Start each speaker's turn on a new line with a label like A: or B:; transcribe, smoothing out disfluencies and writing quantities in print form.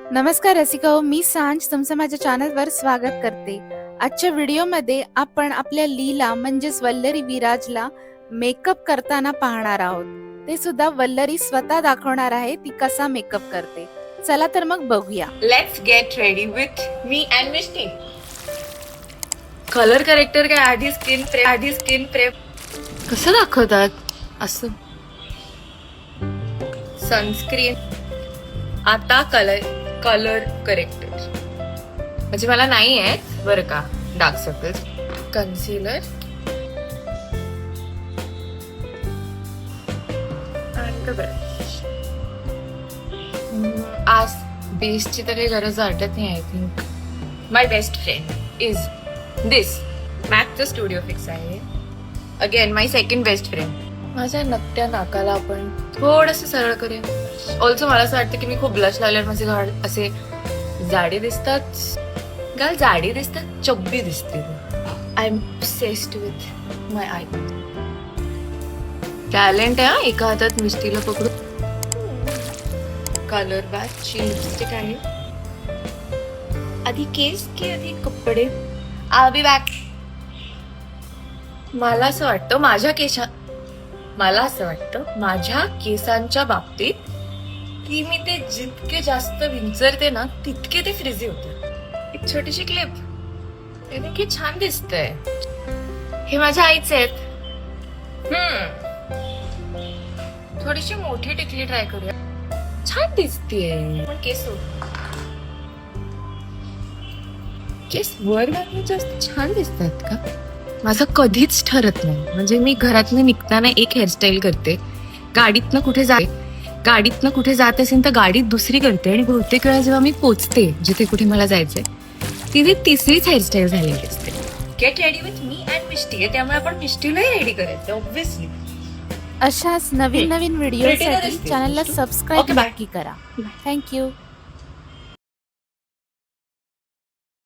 A: नमस्कार रसिको, मी सांज तुमचं माझ्या चॅनलवर स्वागत करते. आजच्या व्हिडिओमध्ये आपण आपल्या लीला म्हणजेच वल्लरी विराजला मेकअप करताना पाहणार आहोत. ते सुद्धा वल्लरी स्वतः दाखवणार आहे ती कसा मेकअप करते. चला तर मग बघूया.
B: Let's get ready with me and Misty. Colour corrector काय आधी स्किन प्रेप कसं दाखवतात असं. सनस्क्रीन, आता कलर करेक्टर म्हणजे मला नाही आहे बरं का डार्क सर्कल्स. कन्सिलर आणि ब्रश. आज बेसची तर काही गरज वाटत नाही. I think my best friend is this मॅकचं स्टुडिओ फिक्स आहे. Again my second best friend. माझ्या नकट्या नाकाला आपण थोडंसं सरळ करूया. ऑल्सो मला असं वाटतं की मी खूप ब्लश लावल्यावर माझे गाल असे जाडे दिसतात. गाल जाडी दिसतात, चब्बी दिसते. I am obsessed with my eye. Talent आहे. एका हातात मिस्टीला पकडू. कलर बॅचची लिपस्टिक आहे. आधी केस की आधी कपडे. I be back. मला असं वाटतं माझ्या केसांच्या बाबतीत की मी ते जितके जास्त विंचरते ना तितके ते फ्रिझी होते. एक छोटीशी क्लिप. त्याने की छान दिसतंय. हे माझ्या आईचे आहेत. थोडीशी मोठी टिकली ट्राय करूया. छान दिसतेय. पण केस वर घालून जास्त छान दिसतात का? माझं कधीच ठरत नाही. म्हणजे मी घरातनं निघताना एक हेअरस्टाईल करते, गाडीतनं कुठे जात असेल तर गाडीत दुसरी करते, आणि बहुतेक वेळा जेव्हा मी पोचते जिथे कुठे मला जायचंय तिथे तिसरीच हेअरस्टाईल झालेली असते. Get ready with me and Misty. त्यामुळे आपण मिस्टीलाही रेडी करायचं ऑब्व्हियसली.
A: अशाच नवीन व्हिडिओसाठी चॅनलला सबस्क्राईब नक्की करा. थँक्यू.